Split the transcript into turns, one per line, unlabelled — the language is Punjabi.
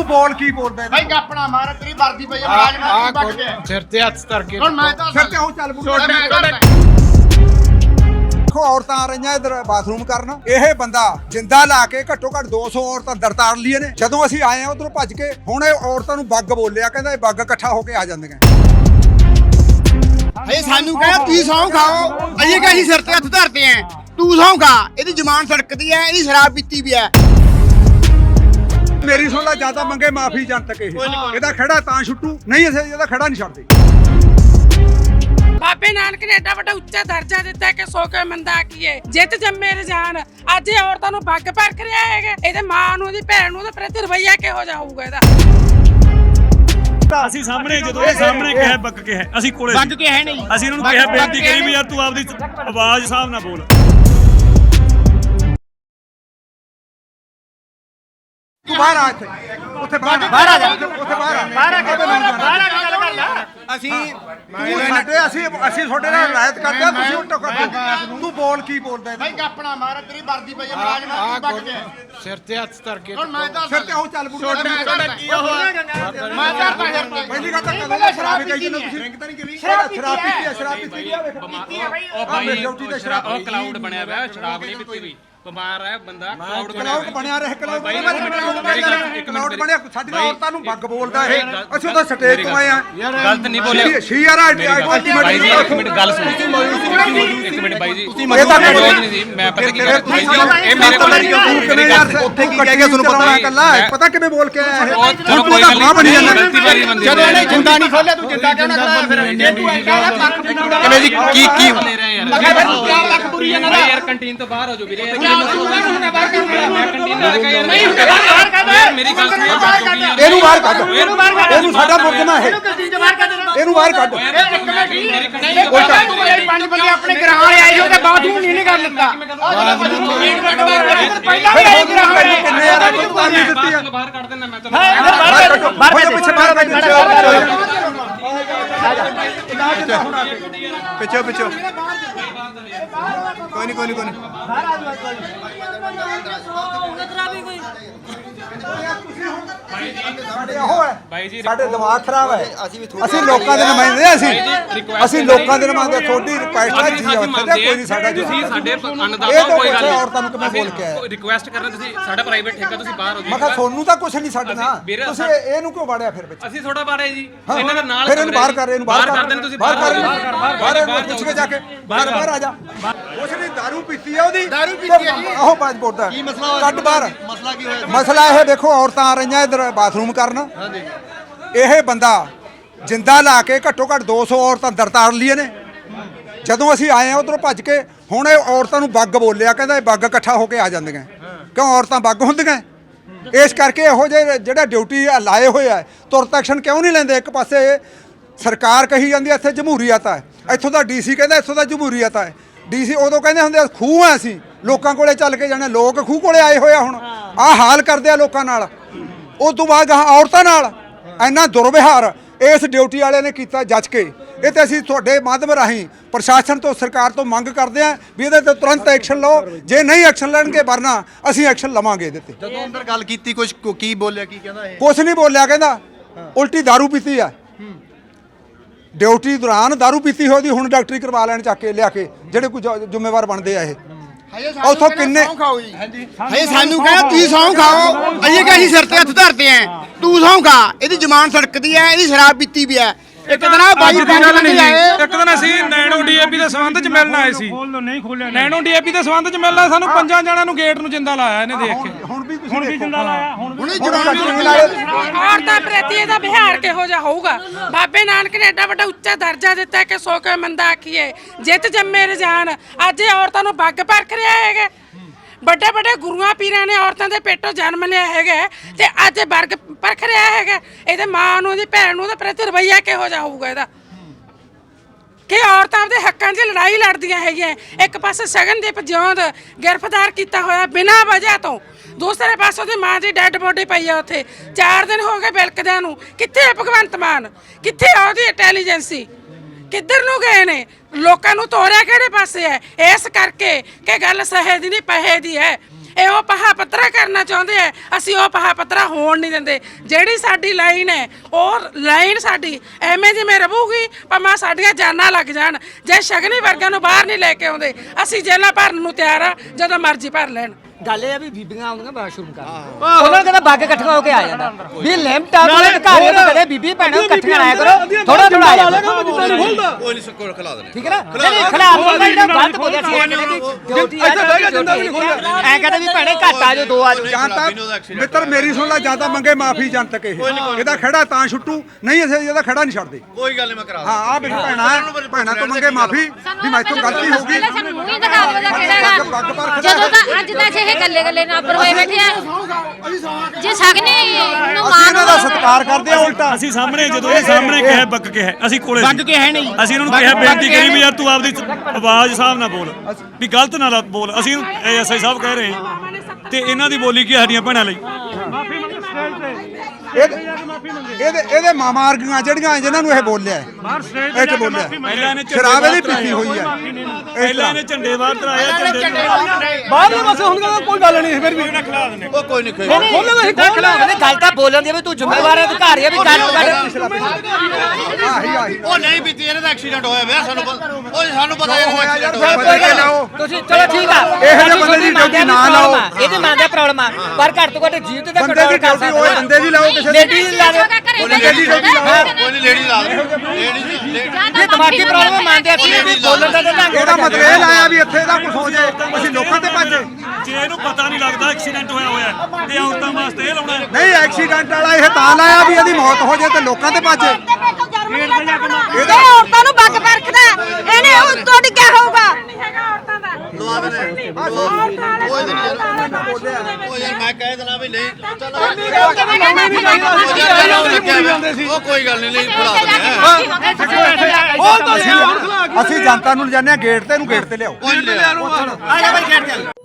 ਬੋਲ ਕੀ ਬੋਲਦਾ
ਭਾਈ ਗੱਪਣਾ ਮਾਰ ਤੇਰੀ ਵਰਦੀ ਪਈ ਆ ਬੱਟ ਕੇ
ਸਿਰ ਤੇ ਹੱਥ ਧਰ ਕੇ
ਹੁਣ ਮੈਂ ਤਾਂ
ਫਿਰ ਤੇ ਉਹ ਚੱਲ ਬੁੱਢਾ ਦੇਖੋ ਔਰਤਾਂ ਆ ਰਹੀਆਂ ਇਧਰ ਬਾਥਰੂਮ ਕਰਨ ਇਹ ਬੰਦਾ ਜਿੰਦਾ ਲਾ ਕੇ ਘੱਟੋ ਘੱਟ 200 ਔਰਤਾਂ ਦਰਤਾਰ ਲਈਆਂ ਨੇ ਜਦੋਂ ਅਸੀਂ ਆਏ ਆ ਉਧਰੋਂ ਭੱਜ ਕੇ ਹੁਣ ਇਹ ਔਰਤਾਂ ਨੂੰ ਬੱਗ ਬੋਲਿਆ ਕਹਿੰਦਾ ਇਹ ਬੱਗ ਇਕੱਠਾ ਹੋ ਕੇ ਆ ਜਾਂਦੀਆਂ
ਹਏ ਸਾਨੂੰ ਕਹਿੰਦਾ ਤੁਸੀਂ ਸੌਂ ਖਾਓ ਅਸੀਂ ਕਹੀ ਸਿਰ ਤੇ ਹੱਥ ਧਰਦੇ ਆਂ ਤੂੰ ਸੌਂ ਖਾ ਇਹਦੀ ਜ਼ਮਾਨ ਸੜਕਦੀ ਐ ਇਹਦੀ ਸ਼ਰਾਬ ਪੀਤੀ ਵੀ ਐ
ਮੇਰੀ ਸੁਣ ਲੈ ਜਿਆਦਾ ਮੰਗੇ ਮਾਫੀ ਜਨਤਕ ਇਹ ਇਹਦਾ ਖੜਾ ਤਾਂ ਛੁੱਟੂ ਨਹੀਂ ਅਸੀਂ ਇਹਦਾ ਖੜਾ ਨਹੀਂ ਛੱਡਦੇ
ਬਾਬੇ ਨਾਨਕ ਨੇ ਐਡਾ ਵੱਡਾ ਉੱਚਾ ਦਰਜਾ ਦਿੱਤਾ ਕਿ ਸੋ ਕੇ ਮੰਦਾ ਆਖੀਏ ਜਿੱਤ ਜੰਮੇ ਰਜਾਨ ਅੱਜ ਇਹ ਔਰਤਾਂ ਨੂੰ ਬੱਗ ਪਰਖ ਰਿਹਾ ਹੈਗਾ ਇਹਦੇ ਮਾਂ ਨੂੰ ਇਹਦੀ ਭੈਣ ਨੂੰ ਉਹਦੇ ਪ੍ਰਤੀ ਰਵੱਈਆ ਕਿਹੋ ਜਿਹਾ ਹੋਊਗਾ ਇਹਦਾ
ਅਸੀਂ ਸਾਹਮਣੇ ਜਦੋਂ ਇਹ ਸਾਹਮਣੇ ਕਿਹਾ ਬੱਕ ਕੇ ਹੈ ਅਸੀਂ ਕੋਲੇ
ਬੱਗ ਕੇ ਹੈ ਨਹੀਂ
ਅਸੀਂ ਇਹਨਾਂ ਨੂੰ ਕਿਹਾ ਬੇਨਤੀ ਕਰੀ ਵੀ ਯਾਰ ਤੂੰ ਆਪਦੀ ਆਵਾਜ਼ ਹਿਸਾਬ ਨਾਲ ਬੋਲ
ਤੂੰ ਬਾਹਰ ਆ ਇੱਥੇ ਉੱਥੇ ਬਾਹਰ ਆ ਜਾ ਉੱਥੇ ਬਾਹਰ ਆ ਕੇ ਗੱਲ ਕਰ ਲੈ ਅਸੀਂ ਤੂੰ ਸਾਡੇ ਅਸੀਂ ਤੁਹਾਡੇ ਨਾਲ ਰਾਇਤ ਕਰਦੇ ਆ ਤੁਸੀਂ ਉਲਟਾ ਕਰਦੇ ਤੂੰ ਬੋਲ ਕੀ ਬੋਲਦਾ
ਭਾਈ ਗੱਪਣਾ ਮਾਰ ਤੇਰੀ ਵਰਦੀ ਪਈ ਆ ਬੱਟ ਕੇ
ਸਿਰ ਤੇ ਹੱਥ ਧਰ ਕੇ
ਹੁਣ ਮੈਂ ਤਾਂ
ਫਿਰ ਤੇ ਉਹ ਚੱਲ ਬੁੱਢਾ
ਮੈਂ ਕਰਦਾ ਸਿਰ ਤੇ
ਪਹਿਲੀ ਗੱਲ ਤਾਂ ਕਦੋਂ ਸ਼ਰਾਬ ਪੀਤੀ ਤੁਸੀਂ ਡਰਿੰਕ ਤਾਂ ਨਹੀਂ ਕਰੀ ਸ਼ਰਾਬ ਪੀਤੀ ਆ ਵੇਖ
ਉਹ ਭਾਈ ਸ਼ਰਾਬ ਕਲਾਊਡ ਬਣਿਆ ਹੋਇਆ ਸ਼ਰਾਬ ਨਹੀਂ ਪੀਤੀ ਵੀ ਬਿਮਾਰ ਹੈ ਬੰਦਾ
ਕਲਾਊਡ ਬਣਿਆ ਰਹੇ ਕਲਾਊਡ ਬਣਿਆ ਸਾਡੀਆਂ ਔਰਤਾਂ ਨੂੰ ਬੱਗ ਬੋਲਦਾ ਇਹ ਅਸੀਂ ਉਹਦਾ ਸਟੇਜ ਤੋਂ ਆਏ ਆ
ਗਲਤ ਨਹੀਂ ਬੋਲਿਆ
ਸ਼ੀ ਯਾਰ
ਭਾਈ ਜੀ ਇੱਕ ਮਿੰਟ ਗੱਲ ਸੁਣੋ ਇੱਕ ਮਿੰਟ ਬਾਈ ਜੀ
ਇਹ ਤਾਂ
ਨਹੀਂ ਸੀ ਮੈਂ ਪਤਾ ਕੀ ਕਰ ਭਾਈ ਜੀ ਇਹ ਮੇਰੇ ਕੋਲ ਮੇਰੀ ਗੱਲ
ਉੱਥੇ ਕੀ ਕਹਿ ਗਿਆ ਤੁਹਾਨੂੰ ਪਤਾ ਕੱਲਾ ਪਤਾ ਕਿਵੇਂ ਬੋਲ ਕੇ ਆਇਆ ਇਹ
ਚਲੋ ਕੋਈ ਗੱਲ ਨਹੀਂ ਗਲਤੀ ਵਾਲੀ ਬੰਦੇ
ਜਦੋਂ ਇਹਨੇ ਜਿੰਦਾ ਨਹੀਂ ਖੋਲਿਆ ਤੂੰ ਜਿੰਦਾ ਕਿਉਂ ਨਾ ਖੋਲਿਆ ਫਿਰ ਤੂੰ ਐਂ ਕਹਿੰਦਾ ਲੱਖ
ਕਹਿੰਦੇ ਜੀ ਕੀ ਲੈ ਰਹੇ ਯਾਰ
ਲੱਖ ਪੂਰੀ ਇਹਨਾਂ ਦਾ
ਯਾਰ ਕੰਟੀਨ ਤੋਂ ਬਾਹਰ ਹੋ ਜਾਓ ਵੀਰੇ ਮੈਂ ਕੰਟੀਨ ਨਾਲ ਕਹਾਂ ਯਾਰ ਮੇਰੀ ਗੱਲ ਸੁਣ
ਇਹਨੂੰ ਬਾਹਰ ਕੱਢ ਇਹਨੂੰ ਸਾਡਾ ਮੁਕਦਮਾ ਹੈ ਇਹਨੂੰ ਬਾਹਰ ਕੱਢ
ਪੰਜ ਬੰਦੇ ਆਪਣੇ ਗ੍ਰਾਹਾਂ ਵਾਲੇ ਆਏ ਉਹਦੇ ਬਾਥਰੂਮ ਨਹੀਂ ਕਰ ਦਿੱਤਾ ਪਹਿਲਾਂ ਵੀ ਆਏ ਗ੍ਰਾਹਾਂ ਵਾਲੇ
ਕਿੰਨੇ ਯਾਰ ਕੋਈ ਨਹੀਂ ਦਿੱਤੀ ਆ
ਬਾਹਰ ਕੱਢ ਦੇਣਾ ਮੈਂ ਤੁਹਾਨੂੰ
ਬਾਹਰ ਪਿੱਛੇ ਪਿੱਛੇ ਕੋਈ ਨਹੀਂ ਸਾਡੇ ਦਿਮਾਗ ਖਰਾਬ ਹੈ ਅਸੀਂ ਲੋਕਾਂ ਦੇ ਨੁਮਾਇੰਦੇ ਅਸੀਂ ਲੋਕਾਂ ਦੇ ਨੁਮਾਇੰਦੇ ਤੁਹਾਡੀ ਰਿਕੁਐਸਟ ਹੈ ਜੀ ਕੋਈ ਨਹੀਂ ਸਾਡਾ
ਤੁਸੀਂ ਸਾਡੇ ਅੰਨਦਾਤਾ ਕੋਈ ਗੱਲ ਨਹੀਂ
ਔਰਤਾਂ ਨੂੰ ਕਿਵੇਂ ਬੋਲ ਕੇ ਆਇਆ
ਰਿਕੁਐਸਟ ਕਰਨਾ ਤੁਸੀਂ ਸਾਡਾ ਪ੍ਰਾਈਵੇਟ ਠੇਕਾ ਤੁਸੀਂ ਬਾਹਰ ਹੋ
ਮੈਂ ਕਿਹਾ ਤੁਹਾਨੂੰ ਤਾਂ ਕੁਝ ਨਹੀਂ ਛੱਡਣਾ ਤੁਸੀਂ ਇਹਨੂੰ ਕਿਉਂ ਵਾੜਿਆ ਫਿਰ ਵਿੱਚ
ਅਸੀਂ ਥੋੜਾ ਬਾੜੇ ਜੀ ਇਹਨਾਂ ਦਾ ਨਾਲ
ਫਿਰ ਇਹਨੂੰ ਬਾਹਰ ਕਰ ਇਹਨੂੰ ਬਾਹਰ ਕਰ
ਦੇਣ ਤੁਸੀਂ
ਬਾਹਰ ਪੁੱਛ ਕੇ ਜਾ ਕੇ ਬਾਹਰ ਆ ਜਾ ਕੁਛ ਨਹੀਂ ਦਾਰੂ ਪੀਤੀ ਆ ਉਹਦੀ ਦਾਰੂ ਪੀਤੀ ਆ ਆਹੋ ਪੰਜ ਬੋਲਦਾ ਕੀ ਮਸਲਾ ਕੱਢ ਬਾਹਰ ਮਸਲਾ ਕੀ ਹੋਇਆ ਮਸਲਾ ਇਹ ਦੇਖੋ ਔਰਤਾਂ ਆ ਰਹੀਆਂ ਇਧਰ ਬਾਥਰੂਮ ਕਰਨ ਹਾਂਜੀ ਇਹ ਬੰਦਾ ਜਿੰਦਾ ਲਾ ਕੇ ਘੱਟੋ ਘੱਟ 200 ਔਰਤਾਂ ਦਰਤਾਰ ਲਈਆਂ ਨੇ ਜਦੋਂ ਅਸੀਂ ਆਏ ਆ ਉਧਰੋਂ ਭੱਜ ਕੇ ਹੁਣ ਇਹ ਔਰਤਾਂ ਨੂੰ ਬੱਗ ਬੋਲਿਆ ਕਹਿੰਦਾ ਇਹ ਬੱਗ ਇਕੱਠਾ ਹੋ ਕੇ ਆ ਜਾਂਦੀਆਂ ਕਿਉਂ ਔਰਤਾਂ ਬੱਗ ਹੁੰਦੀਆਂ ਇਸ ਕਰਕੇ ਇਹੋ ਜਿਹੇ ਜਿਹੜਾ ਡਿਊਟੀ ਲਾਏ ਹੋਏ ਆ ਤੁਰਤ ਐਕਸ਼ਨ ਕਿਉਂ ਨਹੀਂ ਲੈਂਦੇ ਇੱਕ ਪਾਸੇ ਸਰਕਾਰ ਕਹੀ ਜਾਂਦੀ ਇੱਥੇ ਜਮਹੂਰੀਅਤ ਹੈ ਇੱਥੋਂ ਦਾ ਡੀਸੀ ਕਹਿੰਦਾ ਇੱਥੋਂ ਦਾ ਜਮਹੂਰੀਅਤ ਹੈ ਡੀਸੀ ਉਦੋਂ ਕਹਿੰਦੇ ਹੁੰਦੇ ਖੂਹ ਆ ਅਸੀਂ ਲੋਕਾਂ ਕੋਲੇ ਚੱਲ ਕੇ ਜਾਣਾ ਲੋਕ ਖੂਹ ਕੋਲੇ ਆਏ ਹੋਏ ਆ ਹੁਣ ਆਹ ਹਾਲ ਕਰਦੇ ਆ ਲੋਕਾਂ ਨਾਲ ਉਸ ਤੋਂ ਬਾਅਦ ਔਰਤਾਂ ਨਾਲ ਇੰਨਾ ਦੁਰਵਿਹਾਰ ਇਸ ਡਿਊਟੀ ਵਾਲਿਆਂ ਨੇ ਕੀਤਾ ਜੱਜ ਕੇ ਇਹ ਤੇ ਅਸੀਂ ਤੁਹਾਡੇ ਮਾਧਿਅਮ ਰਾਹੀਂ ਪ੍ਰਸ਼ਾਸਨ ਤੋਂ ਸਰਕਾਰ ਤੋਂ ਮੰਗ ਕਰਦੇ ਆ ਵੀ ਇਹਦੇ ਤੇ ਤੁਰੰਤ ਐਕਸ਼ਨ ਲਓ ਜੇ ਨਹੀਂ ਐਕਸ਼ਨ ਲੈਣਗੇ ਵਰਨਾ ਅਸੀਂ ਐਕਸ਼ਨ ਲਵਾਂਗੇ ਇਹਦੇ ਤੇ
ਜਦੋਂ ਅੰਦਰ ਗੱਲ ਕੀਤੀ ਕੁਝ ਕੀ ਬੋਲਿਆ ਕੀ ਕਹਿੰਦਾ ਇਹ
ਕੁਛ ਨਹੀਂ ਬੋਲਿਆ ਕਹਿੰਦਾ ਉਲਟੀ ਦਾਰੂ ਪੀਤੀ ਆ ਡਿਊਟੀ ਦੌਰਾਨ ਦਾਰੂ ਪੀਤੀ ਹੋਈ ਦੀ ਹੁਣ ਡਾਕਟਰੀ ਕਰਵਾ ਲੈਣ ਚੱਕ ਕੇ ਲਿਆ ਕੇ ਜਿਹੜੇ ਕੋਈ ਜ਼ਿੰਮੇਵਾਰ ਬਣਦੇ ਆ ਇਹ ਉੱਥੋਂ ਕਿੰਨੇ
ਹਏ ਸਾਨੂੰ ਕਹਿੰਦਾ ਤੁਸੀਂ ਸੌਂ ਖਾਓ ਅਸੀਂ ਕਹੀ ਸਿਰ ਤੇ ਹੱਥ ਧਰਦੇ ਆਂ ਤੂੰ ਸੌਂ ਖਾ ਇਹਦੀ ਜ਼ਮਾਨ ਸੜਕਦੀ ਐ ਇਹਦੀ ਸ਼ਰਾਬ ਪੀਤੀ ਵੀ ਐ ਇੱਕ ਦਿਨ ਆ ਬਾਈ
ਇੱਕ ਦਿਨ ਅਸੀਂ ਨੈਣੋ ਡੀਏਪੀ ਦੇ ਸੰਬੰਧ ਚ ਮਿਲਣ ਆਏ ਸੀ ਨੈਣੋ ਡੀਏਪੀ ਦੇ ਸੰਬੰਧ ਚ ਮਿਲਣਾ ਸਾਨੂੰ 5 ਜਣਿਆਂ ਨੂੰ ਗੇਟ ਨੂੰ ਜਿੰਦਾ ਲਾਇਆ ਇਹਨੇ ਦੇਖ ਕੇ
ਹੁਣ ਵੀ ਜਿੰਦਾ ਲਾਇਆ
ਹੁਣ ਜਵਾਨ
ਔਰਤਾਂ ਪ੍ਰਤੀ ਇਹਦਾ ਵਿਹਾਰ ਕਿਹੋ ਜਿਹਾ ਹੋਊਗਾ ਬਾਬੇ ਨਾਨਕ ਨੇ ਐਡਾ ਵੱਡਾ ਉੱਚਾ ਦਰਜਾ ਦਿੱਤਾ ਕਿ ਸੋ ਕੇ ਮੰਦਾ ਆਖੀਏ ਜਿੱਤ ਜੰਮੇ ਰਜਾਨ ਅੱਜ ਇਹ ਔਰਤਾਂ ਨੂੰ ਬੱਗ ਪਰਖ ਰਿਹਾ ਹੈਗਾ ਵੱਡੇ ਵੱਡੇ ਗੁਰੂਆਂ ਪੀਰਾਂ ਨੇ ਔਰਤਾਂ ਦੇ ਪੇਟੋਂ ਜਨਮ ਲਿਆ ਹੈਗਾ ਤੇ ਅੱਜ ਵਰਗ ਪਰਖ ਰਿਹਾ ਹੈਗਾ ਇਹਦੇ ਮਾਂ ਨੂੰ ਇਹਦੀ ਭੈਣ ਨੂੰ ਉਹਦੇ ਪ੍ਰਤੀ ਰਵੱਈਆ ਕਿਹੋ ਜਿਹਾ ਹੋਊਗਾ ਇਹਦਾ ਕਿ ਔਰਤਾਂ ਦੇ ਹੱਕਾਂ 'ਚ ਲੜਾਈ ਲੜਦੀਆਂ ਹੈਗੀਆਂ ਇੱਕ ਪਾਸੇ ਸ਼ਗਨਦੀਪ ਜਿਉਂਦ ਗ੍ਰਿਫਤਾਰ ਕੀਤਾ ਹੋਇਆ ਬਿਨਾਂ ਵਜ੍ਹਾ ਤੋਂ ਦੂਸਰੇ ਪਾਸੇ ਉਹਦੀ ਮਾਂ ਦੀ ਡੈੱਡ ਬੋਡੀ ਪਈ ਆ ਉੱਥੇ 4 ਦਿਨ ਹੋ ਗਏ ਬਿਲਕਦਿਆਂ ਨੂੰ ਕਿੱਥੇ ਹੈ ਭਗਵੰਤ ਮਾਨ ਕਿੱਥੇ ਆ ਉਹਦੀ ਇੰਟੈਲੀਜੈਂਸੀ ਕਿੱਧਰ ਨੂੰ ਗਏ ਨੇ ਲੋਕਾਂ ਨੂੰ ਤੋਰਿਆ ਕਿਹੜੇ ਪਾਸੇ ਹੈ ਇਸ ਕਰਕੇ ਕਿ ਗੱਲ ਸਹੇ ਦੀ ਨਹੀਂ ਪਹੇ ਦੀ ਹੈ ਇਹ ਉਹ ਪਹਾ ਪੱਤਰਾ ਕਰਨਾ ਚਾਹੁੰਦੇ ਆ, ਅਸੀਂ ਉਹ ਪਹਾ ਪੱਤਰਾ ਹੋਣ ਨਹੀਂ ਦਿੰਦੇ। ਜਿਹੜੀ ਸਾਡੀ ਲਾਈਨ ਹੈ ਉਹ ਲਾਈਨ ਸਾਡੀ ਐਵੇਂ ਜਿਵੇਂ ਰਹੂਗੀ, ਭਾਵੇਂ ਸਾਡੀਆਂ ਜਾਨਾਂ ਲੱਗ ਜਾਣ। ਜੇ ਸ਼ਗਨੀ ਵਰਗਾਂ ਨੂੰ ਬਾਹਰ ਨਹੀਂ ਲੈ ਕੇ ਆਉਂਦੇ, ਅਸੀਂ ਜੇਲਾਂ ਭਰਨ ਨੂੰ ਤਿਆਰ ਆ, ਜਦੋਂ ਮਰਜ਼ੀ ਭਰ ਲੈਣ।
ਗੱਲ ਇਹ ਆ ਵੀ ਬੀਬੀਆਂ ਆਉਂਦੀਆਂ ਬਾਥਰੂਮ ਕਰਨ, ਉਹਨਾਂ ਨੂੰ ਕਹਿੰਦਾ ਬਾਗ ਇਕੱਠਾ ਹੋ ਕੇ ਆ ਜਾਂਦਾ ਵੀ ਲਿਮਟ ਆ ਉਹਨਾਂ ਦੇ ਘਰ ਨੂੰ ਕਦੇ ਬੀਬੀ ਭੈਣਾਂ ਇਕੱਠੀਆਂ ਆਇਆ ਕਰੋ, ਥੋੜਾ ਥੋੜਾ ਆਇਆ
ਕੋਈ ਨਹੀਂ ਸਕੋਰ ਖਿਲਾ ਦੇਣੇ।
ਠੀਕ ਹੈ ਨਾ। ਨਹੀਂ ਖਿਲਾਫ ਹੁੰਦਾ ਜਿਹੜਾ ਗਲਤ ਬੋਲਿਆ ਸੀ ਡਿਊਟੀ ਐ ਕਹਿੰਦੇ ਵੀ ਭੈਣੇ ਘੱਟ ਆ ਜਾਓ, 2 ਆ ਜਾਓ।
ਜਾਂ ਤਾਂ ਮਿੱਤਰ ਮੇਰੀ ਸੁਣ ਲੈ, ਜਾਂ ਤਾਂ ਮੰਗੇ ਮਾਫੀ ਜਨਤਕ ਇਹ ਇਹਦਾ ਖੜਾ ਤਾਂ ਛੁੱਟੂ, ਨਹੀਂ ਅਸੀਂ ਇਹਦਾ ਖੜਾ ਨਹੀਂ ਛੱਡਦੇ।
ਕੋਈ ਗੱਲ ਨਹੀਂ ਮੈਂ ਕਰਾ
ਹਾਂ ਆ ਮੇਰੀ ਭੈਣਾਂ ਤੋਂ ਮੰਗੇ ਮਾਫੀ ਵੀ ਮੈਥੋਂ ਗਲਤੀ ਹੋ ਗਈ।
ਸਾਨੂੰ ਮੂੰਹ ਹੀ ਦਿਖਾ ਦਿਓ ਕਿਹੜਾ ਜਦੋਂ ਤਾਂ ਅੱਜ ਦਾ ਇਹ ਗੱਲੇ ਨਾਲ ਉੱਪਰ ਹੋਏ ਬੈਠੇ ਆ ਜੇ ਸਗਨੇ ਨੂੰ
ਅਸੀਂ ਇਹਨਾਂ ਦਾ ਸਤਿਕਾਰ ਕਰਦੇ ਆ, ਉਲਟਾ
ਅਸੀਂ ਸਾਹਮਣੇ ਜਦੋਂ ਇਹ ਸਾਹਮਣੇ ਕਿਹਾ ਬੱਕ ਕਿਹਾ ਅਸੀਂ ਕੋਲੇ
ਬੱਗ ਕੇ ਹੈ ਨਹੀਂ।
ਅਸੀਂ ਇਹਨਾਂ ਨੂੰ ਕਿਹਾ ਬੇਨਤੀ ਕਰੀ ਵੀ ਯਾਰ ਤੂੰ ਆਪਦੀ ਆਵਾਜ਼ ਹਿਸਾਬ ਨਾਲ ਬੋਲ, ਵੀ ਗਲਤ ਨਾ ਬੋਲ। ਅਸੀਂ ਐਸਆਈ ਸਾਹਿਬ ਕਹਿ ਰਹੇ ਹਾਂ ਤੇ ਇਹਨਾਂ ਦੀ ਬੋਲੀ ਕੀ ਸਾਡੀਆਂ ਭੈਣਾਂ ਲਈ
ਇਹਦੇ ਮਾਮਾ ਵਰਗੀਆਂ ਜਿਹੜੀਆਂ ਜਿਨ੍ਹਾਂ ਨੂੰ ਇਹ ਬੋਲਿਆ ਇਹ ਚ ਬੋਲਿਆ
ਪਹਿਲਾਂ ਇਹਨੇ
ਸ਼ਰਾਬ ਇਹਦੀ ਪੀਤੀ ਹੋਈ ਹੈ।
ਪਹਿਲਾਂ ਇਹਨੇ ਝੰਡੇ ਬਾਹਰ ਤਰਾਇਆ ਝੰਡੇ
ਬਾਹਰ ਦੇ ਪਾਸੇ ਹੁਣ ਕੋਈ ਗੱਲ ਨਹੀਂ, ਫਿਰ ਵੀ
ਖਿਲਾ ਦਿੰਦੇ
ਉਹ ਕੋਈ ਨਹੀਂ
ਗੱਲ ਤਾਂ ਬੋਲਣ ਦੀ ਵੀ ਤੂੰ ਜ਼ਿੰਮੇਵਾਰ ਹੈ, ਅਧਿਕਾਰੀ ਹੈ ਵੀ ਗੱਲ
ਉਹ ਨਹੀਂ ਪੀਤੀ, ਇਹਨਾਂ ਦਾ ਐਕਸੀਡੈਂਟ ਹੋਇਆ ਵੇ ਸਾਨੂੰ ਸਾਨੂੰ ਪਤਾ
ਹੋਇਆ ਯਾਰ,
ਹੋਇਆ।
ਫਿਰ ਬਦਲ ਕੇ ਲਾਓ।
ਤੁਸੀਂ ਚਲੋ ਠੀਕ ਆ,
ਇਹੋ ਜਿਹੇ ਬੰਦੇ ਦੀ ਡਿਊਟੀ ਨਾ ਲਾਓ।
ਇਹਦੇ ਮੰਨਦੇ ਪ੍ਰੋਬਲਮ ਆ, ਪਰ ਘੱਟ ਤੋਂ ਘੱਟ ਜੀਵ ਤੇ ਤਾਂ
ਬੰਦੇ ਦੀ
ਕੰਟਰੋਲ ਕਰ
ਡਿਊਟੀ ਉਹ ਬੰਦੇ ਦੀ ਲਾਓ, ਕਿਸੇ ਦੀ
ਲੇਡੀ ਲਾ ਦਿਓ।
ਕੋਈ ਨਹੀਂ ਲੇਡੀ ਲਾ ਦੇ
ਇਹ ਦਿਮਾਗੀ ਪ੍ਰੋਬਲਮ ਮੰਨਦੇ ਅਸੀਂ ਵੀ ਬੋਲਣ ਦਾ ਢੰਗ
ਇਹਦਾ ਮਤਲਬ ਇਹ ਲਾਇਆ ਵੀ ਇੱਥੇ ਇਹਦਾ ਕੁਝ ਹੋ ਜਾਏ, ਅਸੀਂ ਲੋਕਾਂ ਤੇ ਭੱਜੇ।
ਜੇ ਇਹਨੂੰ ਪਤਾ ਨਹੀਂ ਲੱਗਦਾ ਐਕਸੀਡੈਂਟ ਹੋਇਆ ਹੋਇਆ ਤੇ ਔਰਤਾਂ ਵਾਸਤੇ ਇਹ ਲਾਉਣਾ
ਨਹੀਂ ਐਕਸੀਡੈਂਟ ਵਾਲਾ ਇਹ ਤਾਂ ਲਾਇਆ ਵੀ ਇਹਦੀ ਮੌਤ ਹੋ ਜਾਏ ਤੇ ਲੋਕਾਂ ਤੇ ਭੱਜੇ।
ਇਹ ਔਰਤਾਂ ਨੂੰ ਬੱਗ ਪਰਖਦਾ, ਇਹਨੇ ਉੱਤੋਂ ਦੀ ਕਿਆ ਹੋਊਗਾ?
ਲਵਾ ਦੇਣੇ ਉਹ ਯਾਰ ਮੈਂ ਕਹਿ ਦੇਣਾ ਵੀ ਨਹੀਂ ਚੱਲ ਉਹ ਕੋਈ ਗੱਲ ਨਹੀਂ ਖਿਲਾ ਦੇਣੇ।
ਅਸੀਂ ਜਨਤਾ ਨੂੰ ਲਿਜਾਨੇ ਆ ਗੇਟ ਤੇ, ਇਹਨੂੰ ਗੇਟ ਤੇ ਲਿਆਓ।
ਕੋਈ ਨਹੀਂ ਲਿਆ
ਆ ਜਾ ਬਾਈ ਖੇਡ ਚੱਲ।